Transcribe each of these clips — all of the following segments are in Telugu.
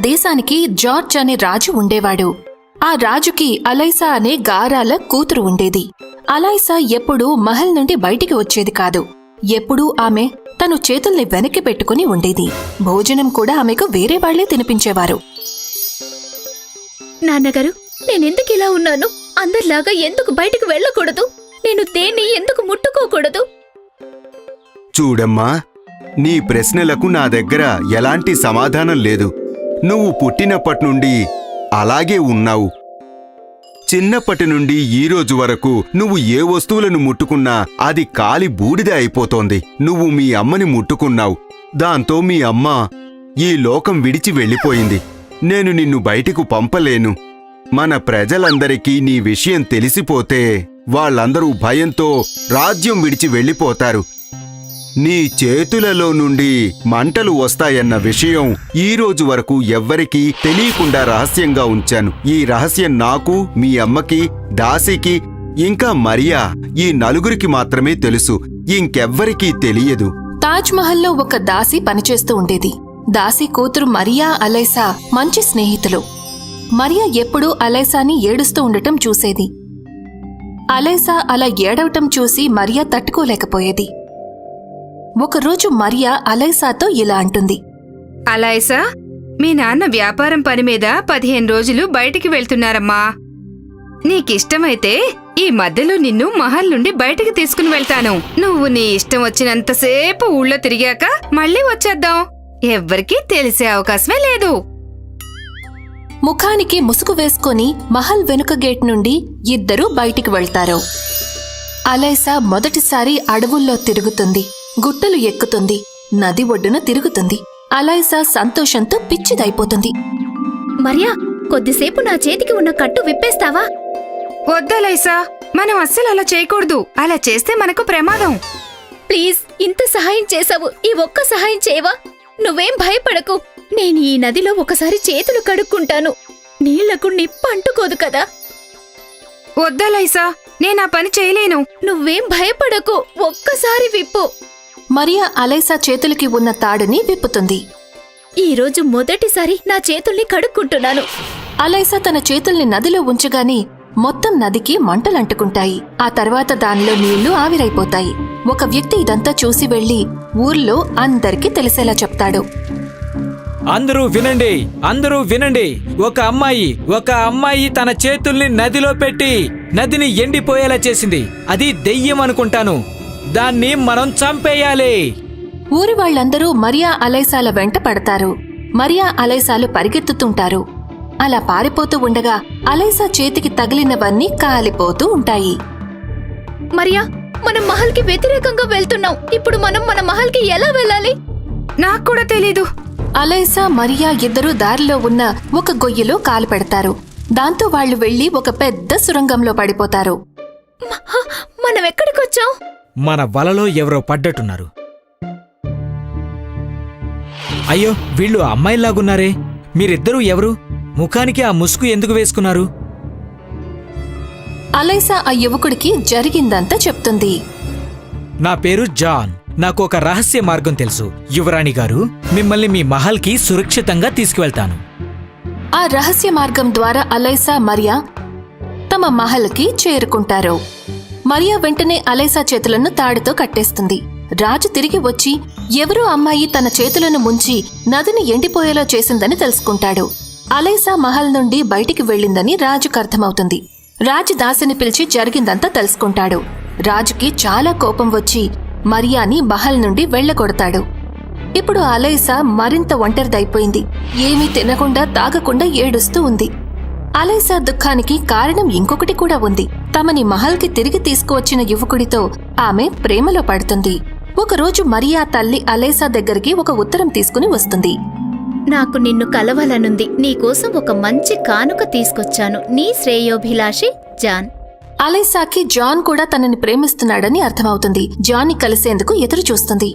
దేశానికి జార్జ్ అనే రాజు ఉండేవాడు. ఆ రాజుకి అలైసా అనే గారాల కూతురు ఉండేది. అలైసా ఎప్పుడూ మహల్ నుండి బయటికి వచ్చేది కాదు. ఎప్పుడూ ఆమె తను చేతుల్ని వెనక్కి పెట్టుకుని ఉండేది. భోజనం కూడా ఆమెకు వేరే వాళ్లే తినిపించేవారు. నాన్నగారు, నేనెందుకు ఇలా ఉన్నాను? అందరిలాగా ఎందుకు బయటికి వెళ్ళకూడదు? నేను దేన్ని ఎందుకు ముట్టుకోకూడదు? చూడమ్మా, నీ ప్రశ్నలకు నా దగ్గర ఎలాంటి సమాధానం లేదు. నువ్వు పుట్టినప్పటి నుండి అలాగే ఉన్నావు. చిన్నప్పటి నుండి ఈరోజు వరకు నువ్వు ఏ వస్తువులను ముట్టుకున్నా అది కాలి బూడిద అయిపోతోంది. నువ్వు మీ అమ్మని ముట్టుకున్నావు. దాంతో మీ అమ్మ ఈ లోకం విడిచి వెళ్ళిపోయింది. నేను నిన్ను బయటికి పంపలేను. మన ప్రజలందరికీ నీ విషయం తెలిసిపోతే వాళ్ళందరూ భయంతో రాజ్యం విడిచి వెళ్ళిపోతారు. నీ చేతులలో నుండి మంటలు వస్తాయన్న విషయం ఈరోజు వరకు ఎవ్వరికీ తెలియకుండా రహస్యంగా ఉంచాను. ఈ రహస్యం నాకు, మీ అమ్మకి, దాసికి, ఇంకా మరియా, ఈ నలుగురికి మాత్రమే తెలుసు. ఇంకెవ్వరికీ తెలియదు. తాజ్ మహల్లో ఒక దాసి పనిచేస్తూ ఉండేది. దాసి కూతురు మరియా, అలైసా మంచి స్నేహితులు. మరియా ఎప్పుడూ అలైసాని ఏడుస్తూ ఉండటం చూసేది. అలైసా అలా ఏడవటం చూసి మరియా తట్టుకోలేకపోయేది. ఒకరోజు మరియా అలైసాతో ఇలా అంటుంది. అలైసా, మీ నాన్న వ్యాపారం పని మీద 15 రోజులు బయటికి వెళ్తున్నారమ్మా. నీకిష్టమైతే ఈ మధ్యలో నిన్ను మహల్ నుండి బయటికి తీసుకుని వెళ్తాను. నువ్వు నీ ఇష్టం వచ్చినంతసేపు ఊళ్ళో తిరిగాక మళ్ళీ వచ్చేద్దాం. ఎవ్వరికీ తెలిసే అవకాశమే లేదు. ముఖానికి ముసుగు వేసుకుని మహల్ వెనుక గేట్ నుండి ఇద్దరూ బయటికి వెళ్తారు. అలైసా మొదటిసారి అడవుల్లో తిరుగుతుంది. గుట్టలు ఎక్కుతుంది. నది ఒడ్డున తిరుగుతుంది. అలైసా సంతోషంతో పిచ్చిదైపోతుంది. మరియా, కొద్దిసేపు నా చేతికి ఉన్న కట్టు విప్పేస్తావా? వద్దలైసా, మనం అస్సలు అలా చేయకూడదు. అలా చేస్తే మనకు ప్రమాదం. ప్లీజ్, ఇంత సహాయం చేశావు, ఈ ఒక్క సహాయం చేయవా? నువ్వేం భయపడకు. నేను ఈ నదిలో ఒకసారి చేతులు కడుక్కుంటాను. నీళ్లకు నిప్పు అంటుకోదు కదా. వద్దలైసా, నేనా పని చేయలేను. నువ్వేం భయపడకు, ఒక్కసారి విప్పు. మరియా అలైసా చేతులకి ఉన్న తాడుని విప్పుతుంది. ఈరోజు మొదటిసారి నా చేతుల్ని కడుక్కుంటున్నాను. అలైసా తన చేతుల్ని నదిలో ఉంచగానే మొత్తం నదికి మంటలంటుకుంటాయి. ఆ తర్వాత దానిలో నీళ్లు ఆవిరైపోతాయి. ఒక వ్యక్తి ఇదంతా చూసి వెళ్లి ఊర్లో అందరికీ తెలిసేలా చెప్తాడు. అందరూ వినండి, అందరూ వినండి. ఒక అమ్మాయి తన చేతుల్ని నదిలో పెట్టి నదిని ఎండిపోయేలా చేసింది. అది దెయ్యం అనుకుంటాను. దాన్ని మనం చంపేయాలి. ఊరి వాళ్లందరూ మరియా అలైసాల వెంట పడతారు. మరియా అలైసాలు పరిగెత్తుతుంటారు. అలా పారిపోతూ ఉండగా అలైసా చేతికి తగిలినవన్నీ కాలిపోతూ ఉంటాయి. మరియా, మనం మహల్కి వ్యతిరేకంగా వెళ్తున్నాం. ఇప్పుడు మనం మన మహల్కి ఎలా వెళ్ళాలి? నాకు కూడా తెలీదు. అలైసా, మరియా ఇద్దరూ దారిలో ఉన్న ఒక గొయ్యిలో కాలు పెడతారు. దాంతో వాళ్లు వెళ్లి ఒక పెద్ద సురంగంలో పడిపోతారు. మనం ఎక్కడికొచ్చాం? మన వలలో ఎవరో పడ్డట్టున్నారు. అయ్యో, వీళ్ళు అమ్మాయిల్లాగున్నారే. మీరిద్దరూ ఎవరు? ముఖానికి ఆ ముసుగు ఎందుకు వేసుకున్నారు? అలైసా ఆ యువకుడికి జరిగిందంతా చెప్తుంది. నా పేరు జాన్. నాకు ఒక రహస్య మార్గం తెలుసు. యువరాణి గారు, మిమ్మల్ని మీ మహల్కి సురక్షితంగా తీసుకువెళ్తాను. ఆ రహస్య మార్గం ద్వారా అలైసా, మరియా తమ మహల్కి చేరుకుంటారు. మరియా వెంటనే అలైసా చేతులను తాడుతో కట్టేస్తుంది. రాజు తిరిగి వచ్చి ఎవరో అమ్మాయి తన చేతులను ముంచి నదిని ఎండిపోయేలా చేసిందని తెలుసుకుంటాడు. అలైసా మహల్ నుండి బయటికి వెళ్లిందని రాజుకు అర్థమవుతుంది. రాజు దాసిని పిలిచి జరిగిందంతా తెలుసుకుంటాడు. రాజుకి చాలా కోపం వచ్చి మరియాని మహల్ నుండి వెళ్లగొడతాడు. ఇప్పుడు అలైసా మరింత ఒంటరిదైపోయింది. ఏమీ తినకుండా తాగకుండా ఏడుస్తూ ఉంది. అలైసా దుఃఖానికి కారణం ఇంకొకటి కూడా ఉంది. తమని మహల్కి తిరిగి తీసుకువచ్చిన యువకుడితో ఆమె ప్రేమలో పడుతుంది. ఒకరోజు మరియా తల్లి అలైసా దగ్గరికి ఒక ఉత్తరం తీసుకుని వస్తుంది. నాకు నిన్ను కలవాలనుంది. నీకోసం ఒక మంచి కానుక తీసుకొచ్చాను. నీ శ్రేయోభిలాషి జాన్. అలైసాకి జాన్ కూడా తనని ప్రేమిస్తున్నాడని అర్థమవుతుంది. జాన్ని కలిసేందుకు ఎదురు చూస్తుంది.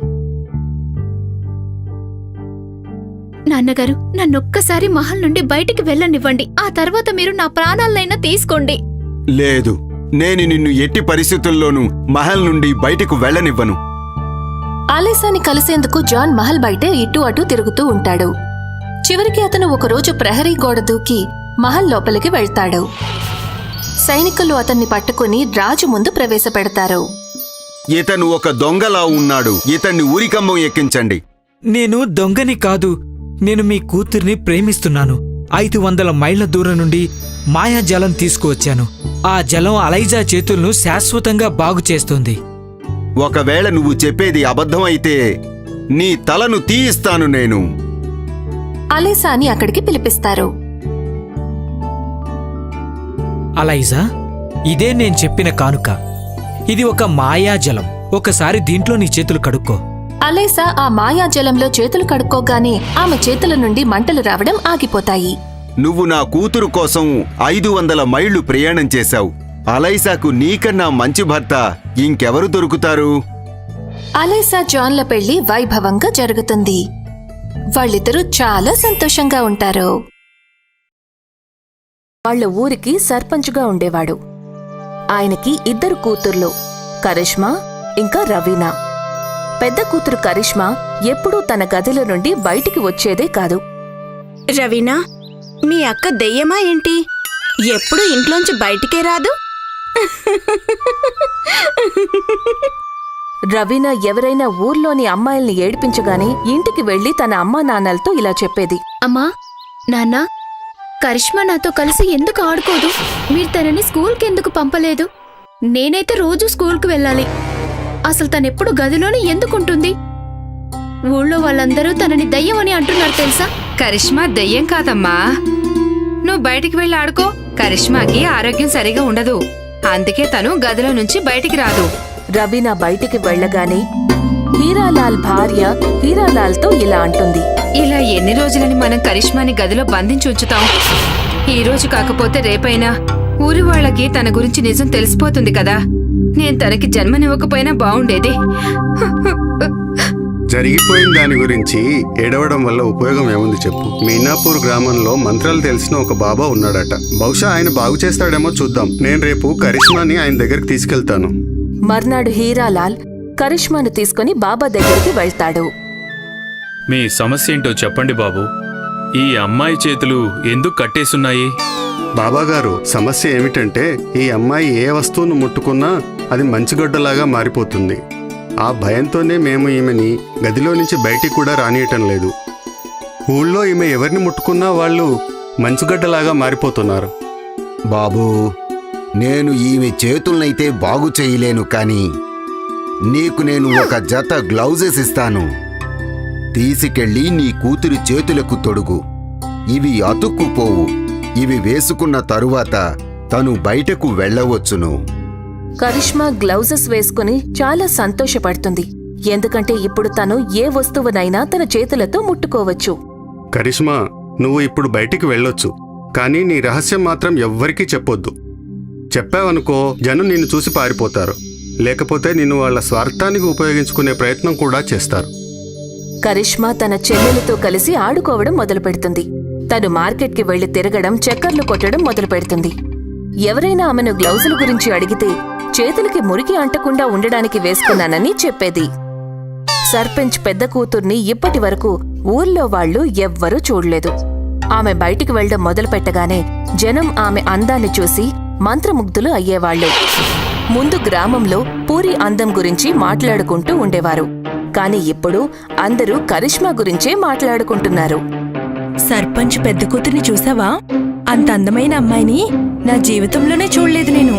నాన్నగారు, నన్నొక్కసారి మహల్ నుండి బయటికి వెళ్ళనివ్వండి. ఆ తర్వాత మీరు నా ప్రాణాలనైనా తీసుకోండి. లేదు, నేను నిన్ను ఎట్టి పరిస్థితుల్లోనూ మహల్ నుండి బయటకు వెళ్లనివ్వను. అలైసాని కలిసేందుకు జాన్ మహల్ బయటే ఇటు అటు తిరుగుతూ ఉంటాడు. చివరికి అతను ఒకరోజు ప్రహరీ గోడ దూకి మహల్ లోపలికి వెళ్తాడు. సైనికులు అతన్ని పట్టుకుని రాజు ముందు ప్రవేశపెడతారు. ఇతను ఒక దొంగలా ఉన్నాడు. ఇతన్ని ఊరికమ్మం ఎక్కించండి. నేను దొంగని కాదు. నేను మీ కూతుర్ని ప్రేమిస్తున్నాను. 500 మైళ్ల దూరం నుండి మాయాజలం తీసుకువచ్చాను. ఆ జలం అలైజా చేతులను శాశ్వతంగా బాగు చేస్తుంది. ఒకవేళ నువ్వు చెప్పేది అబద్ధం అయితే నీ తలను తీయిస్తాను నేను. అలైసాని అక్కడికి పిలిపిస్తారు. అలైజా, ఇదే నేను చెప్పిన కానుక. ఇది ఒక మాయాజలం. ఒకసారి దీంట్లో నీ చేతులు కడుక్కో. అలైసా ఆ మాయాజలంలో చేతులు కడుక్కోగానే ఆమె చేతుల నుండి మంటలు రావడం ఆగిపోతాయి. నువ్వు నా కూతురు కోసం 500 మైళ్లు ప్రయాణం చేశావు. అలైసాకు నీకన్నా మంచి భర్త ఇంకెవరు దొరుకుతారు? అలైసా జాన్ల పెళ్లి వైభవంగా జరుగుతుంది. వాళ్ళిద్దరూ చాలా సంతోషంగా ఉంటారు. వాళ్ళ ఊరికి సర్పంచ్గా ఉండేవాడు. ఆయనకి 2 కూతుర్లు, కరిష్మా ఇంకా రవీనా. పెద్ద కూతురు కరిష్మా ఎప్పుడూ తన గదిలో నుండి బయటికి వచ్చేదే కాదు. రవీనా, మీ అక్క దెయ్యమా ఏంటి? ఎప్పుడు ఇంట్లోంచి బయటికే రాదు. రవీనా ఎవరైనా ఊర్లోని అమ్మాయిల్ని ఏడిపించగానే ఇంటికి వెళ్లి తన అమ్మా నాన్నలతో ఇలా చెప్పేది. అమ్మా, నాన్న, కరిష్మా నాతో కలిసి ఎందుకు ఆడుకోదు? మీరు తనని స్కూల్కి ఎందుకు పంపలేదు? నేనైతే రోజూ స్కూల్కి వెళ్ళాలి. అసలు తనెప్పుడు గదిలోనే ఎందుకుంటుంది? ఊళ్ళో వాళ్ళందరూ తనని దయ్యం అని అంటున్నారు తెలుసా? కరిష్మా దెయ్యం కాదమ్మా. నువ్వు బయటికి వెళ్ళి ఆడుకో. కరిష్మాకి ఆరోగ్యం సరిగా ఉండదు. అందుకే తను గదిలో నుంచి బయటికి రాదు. రవీనా బయటికి వెళ్లగానే హీరాలాల్ భార్య హీరాలాల్తో ఇలా అంటుంది. ఇలా ఎన్ని రోజులని మనం కరిష్మాని గదిలో బంధించి ఉంచుతాం? ఈ రోజు కాకపోతే రేపైనా ఊరి వాళ్ళకి తన గురించి నిజం తెలిసిపోతుంది కదా. నేను తనకి జన్మనివ్వకపోయినా బావుండేది. జరిగిపోయిన దాని గురించి ఏడవడం వల్ల ఉపయోగం ఏముంది చెప్పు. మీనాపూర్ గ్రామంలో మంత్రాలు తెలిసిన ఒక బాబా ఉన్నాడట. బహుశా ఆయన బాగు చేస్తాడేమో చూద్దాం. నేను రేపు కరిష్మాని ఆయన దగ్గరికి తీసుకెళ్తాను. మర్నాడు హీరాలాల్ కరిష్మాను తీసుకుని బాబా దగ్గరికి వెళ్తాడు. మీ సమస్య ఏంటో చెప్పండి బాబు. ఈ అమ్మాయి చేతులు ఎందుకు కట్టేసున్నాయి? బాబాగారు, సమస్య ఏమిటంటే ఈ అమ్మాయి ఏ వస్తువును ముట్టుకున్నా అది మంచుగడ్డలాగా మారిపోతుంది. ఆ భయంతోనే మేము ఈమెని గదిలో నుంచి బయటికి కూడా రానియటం లేదు. ఊళ్ళో ఈమె ఎవరిని ముట్టుకున్నా వాళ్ళు మంచుగడ్డలాగా మారిపోతున్నారు. బాబూ, నేను ఈమె చేతులనైతే బాగు చేయలేను, కానీ నీకు నేను ఒక జత గ్లౌజెస్ ఇస్తాను. తీసుకెళ్ళి నీ కూతురి చేతులకు తొడుగు. ఇవి అతుక్కుపోవు. ఇవి వేసుకున్న తరువాత తను బయటకు వెళ్ళవచ్చును. కరిష్మా గ్లౌజెస్ వేసుకుని చాలా సంతోషపడుతుంది. ఎందుకంటే ఇప్పుడు తను ఏ వస్తువునైనా తన చేతులతో ముట్టుకోవచ్చు. కరిష్మా, నువ్వు ఇప్పుడు బయటికి వెళ్ళొచ్చు, కానీ నీ రహస్యం మాత్రం ఎవ్వరికీ చెప్పొద్దు. చెప్పావనుకో జనం నిన్ను చూసి పారిపోతారు. లేకపోతే నిన్ను వాళ్ళ స్వార్థానికి ఉపయోగించుకునే ప్రయత్నం కూడా చేస్తారు. కరిష్మా తన చెల్లెలతో కలిసి ఆడుకోవడం మొదలుపెడుతుంది. తను మార్కెట్కి వెళ్లి తిరగడం, చక్కర్లు కొట్టడం మొదలుపెడుతుంది. ఎవరైనా ఆమెను గ్లౌజుల గురించి అడిగితే చేతులకి మురికి అంటకుండా ఉండడానికి వేసుకున్నానని చెప్పేది. సర్పంచ్ పెద్ద కూతుర్ని ఇప్పటి వరకు ఊర్లో వాళ్లు ఎవ్వరూ చూడలేదు. ఆమె బయటికి వెళ్లడం మొదలుపెట్టగానే జనం ఆమె అందాన్ని చూసి మంత్రముగ్ధులు అయ్యేవాళ్లు. ముందు గ్రామంలో పూరి అందం గురించి మాట్లాడుకుంటూ ఉండేవారు. కాని ఇప్పుడు అందరూ కరిష్మా గురించే మాట్లాడుకుంటున్నారు. సర్పంచ్ పెద్ద కూతుర్ని చూసావా? అంత అందమైన అమ్మాయిని నా జీవితంలోనే చూడలేదు నేను.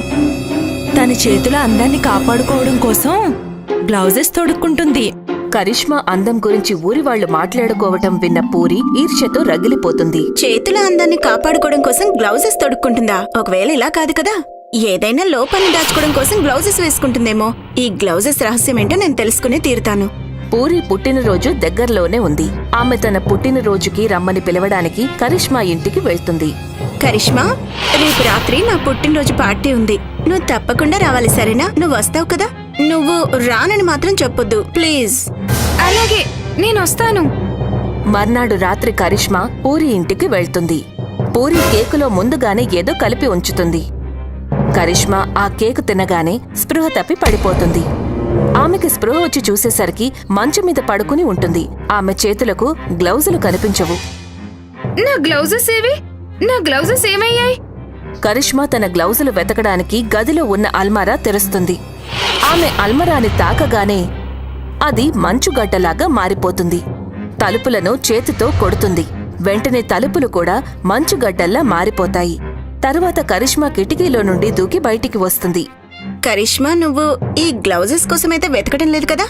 తన చేతుల అందాన్ని కాపాడుకోవడం కోసం గ్లౌజెస్ తొడుక్కుంటుంది. కరిష్మా అందం గురించి ఊరివాళ్లు మాట్లాడుకోవటం విన్న పూరి ఈర్ష్యతో రగిలిపోతుంది. చేతుల అందాన్ని కాపాడుకోవడం కోసం గ్లౌజెస్ తొడుక్కుంటుందా? ఒకవేళ ఇలా కాదు కదా, ఏదైనా లోపాన్ని దాచుకోవడం కోసం గ్లౌజెస్ వేసుకుంటుందేమో. ఈ గ్లౌజెస్ రహస్యమేంటో నేను తెలుసుకునే తీరుతాను. పూరి పుట్టినరోజు దగ్గరలోనే ఉంది. ఆమె తన పుట్టినరోజుకి రమ్మని పిలవడానికి కరిష్మా ఇంటికి వెళ్తుంది. కరిష్మా, రేపు రాత్రి నా పుట్టినరోజు పార్టీ ఉంది. నువ్వు తప్పకుండా రావాలి, సరేనా? నువ్వు వస్తావు కదా? నువ్వు రానని మాత్రం చెప్పొద్దు ప్లీజ్. అలాగే, నేను వస్తాను. మర్నాడు రాత్రి కరిష్మా పూరి ఇంటికి వెళ్తుంది. పూరి కేకులో ముందుగానే ఏదో కలిపి ఉంచుతుంది. కరిష్మా ఆ కేకు తినగానే స్పృహ తప్పి పడిపోతుంది. ఆమెకి స్పృహ వచ్చి చూసేసరికి మంచం మీద పడుకుని ఉంటుంది. ఆమె చేతులకు గ్లౌజులు కనిపించవు. నా గ్లౌజెస్ ఏవి? నా గ్లౌజెస్ ఏమయ్యాయి? కరిష్మా తన గ్లౌజులు వెతకడానికి గదిలో ఉన్న అల్మారా తెరుస్తుంది. ఆమె అల్మరాని తాకగానే అది మంచుగడ్డలాగా మారిపోతుంది. తలుపులను చేతితో కొడుతుంది. వెంటనే తలుపులు కూడా మంచుగడ్డల్లా మారిపోతాయి. తరువాత కరిష్మా కిటికీలో నుండి దూకి బయటికి వస్తుంది. కరిష్మా, నువ్వు ఈ గ్లౌజెస్ కోసమైతే వెతకడం లేదు కదా?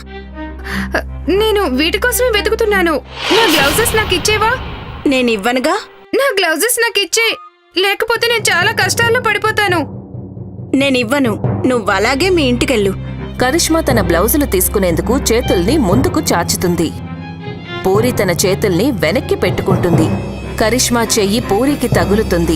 నేను వీటి కోసమే వెతుకుతున్నాను. నా గ్లౌజెస్ నాకు ఇచ్చేవా? నేనివ్వనుగా. నా గ్లౌజెస్ నాకు ఇచ్చే, లేకపోతే నేను చాలా కష్టాల్లో పడిపోతాను. నేనివ్వను. నువ్వలాగే మీ ఇంటికెళ్ళు. కరిష్మా తన బ్లౌజులు తీసుకునేందుకు చేతుల్ని ముందుకు చాచుతుంది. పూరి తన చేతుల్ని వెనక్కి పెట్టుకుంటుంది. కరిష్మా చెయ్యి పూరికి తగులుతుంది.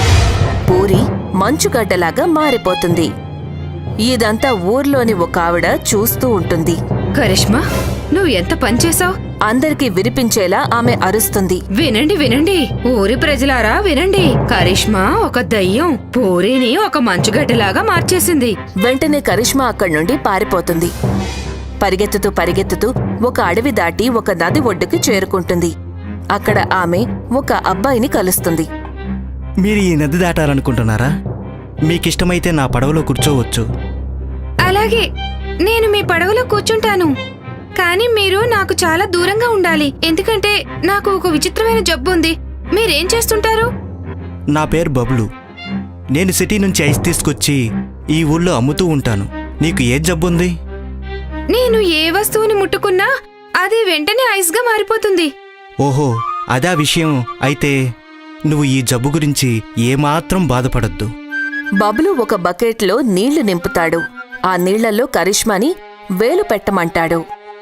పూరి మంచుగడ్డలాగా మారిపోతుంది. ఇదంతా ఊర్లోని ఒక ఆవిడ చూస్తూ ఉంటుంది. కరిష్మా, నువ్వు ఎంత పనిచేశావు? అందరికీ వినిపించేలా ఆమె అరుస్తుంది. వినండి వినండి, ఊరి ప్రజలారా వినండి. కరిష్మా ఒక దయ్యం పూరిని ఒక మంచుగడ్డలాగా మార్చేసింది. వెంటనే కరిష్మా అక్కడి నుండి పారిపోతుంది. పరిగెత్తుతూ పరిగెత్తుతూ ఒక అడవి దాటి ఒక నది ఒడ్డుకి చేరుకుంటుంది. అక్కడ ఆమె ఒక అబ్బాయిని కలుస్తుంది. మీరు ఈ నది దాటాలనుకుంటున్నారా? మీకిష్టమైతే నా పడవలో కూర్చోవచ్చు. అలాగే, నేను మీ పడవలో కూర్చుంటాను. కానీ మీరు నాకు చాలా దూరంగా ఉండాలి, ఎందుకంటే నాకు ఒక విచిత్రమైన జబ్బు ఉంది. మీరేం చేస్తుంటారు? నా పేరు బబ్లు. నేను సిటీ నుంచి ఐస్ తీసుకొచ్చి ఈ ఊళ్ళో అమ్ముతూ ఉంటాను. నీకు ఏ జబ్బుంది? నేను ఏ వస్తువుని ముట్టుకున్నా అది వెంటనే ఐస్గా మారిపోతుంది. ఓహో, అదా విషయం. అయితే నువ్వు ఈ జబ్బు గురించి ఏమాత్రం బాధపడద్దు. బబ్లు ఒక బకెట్లో నీళ్లు నింపుతాడు. ఆ నీళ్లలో కరిష్మాని వేలు పెట్టమంటాడు.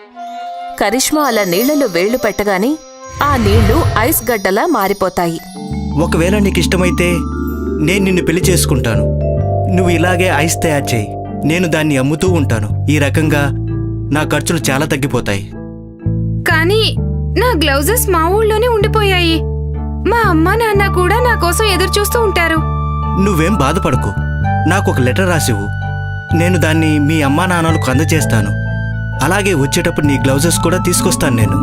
కరిష్మా అలా నీళ్లలో వేళ్లు పెట్టగానే ఆ నీళ్లు ఐస్ గడ్డలా మారిపోతాయి. ఒకవేళ నీకిష్టమైతే నేను నిన్ను పెళ్లి చేసుకుంటాను. నువ్వు ఇలాగే ఐస్ తయారు చేయి. నేను దాన్ని అమ్ముతూ ఉంటాను. ఈ రకంగా నా ఖర్చులు చాలా తగ్గిపోతాయి. కానీ నా గ్లౌజెస్ మా ఊళ్ళోనే ఉండిపోయాయి. మా అమ్మ నాన్న కూడా నా కోసం ఎదురు చూస్తూ ఉంటారు. నువ్వేం బాధపడకు. నాకు ఒక లెటర్ రాసివ్వు. నేను దాన్ని మీ అమ్మా నాన్నలకు అందజేస్తాను. అలాగే వచ్చేటప్పుడు నీ గ్లౌజెస్ కూడా తీసుకొస్తాను నేను.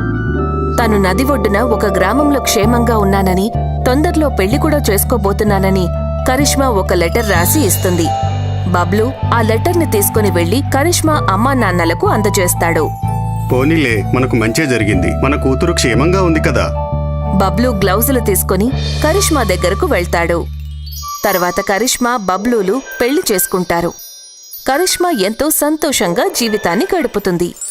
తను నది ఒడ్డున ఒక గ్రామంలో క్షేమంగా ఉన్నానని, తొందరలో పెళ్లి కూడా చేసుకోబోతున్నానని కరిష్మా ఒక లెటర్ రాసి ఇస్తుంది. బబ్లు ఆ లెటర్ని తీసుకుని వెళ్లి కరిష్మా అమ్మా నాన్నలకు అందజేస్తాడు. పోనీలే, మనకు మంచే జరిగింది. మన కూతురు క్షేమంగా ఉంది కదా. బబ్లు గ్లౌజులు తీసుకుని కరిష్మా దగ్గరకు వెళ్తాడు. తర్వాత కరిష్మా బబ్లూలు పెళ్లి చేసుకుంటారు. కరిష్మా ఎంతో సంతోషంగా జీవితాన్ని గడుపుతుంది.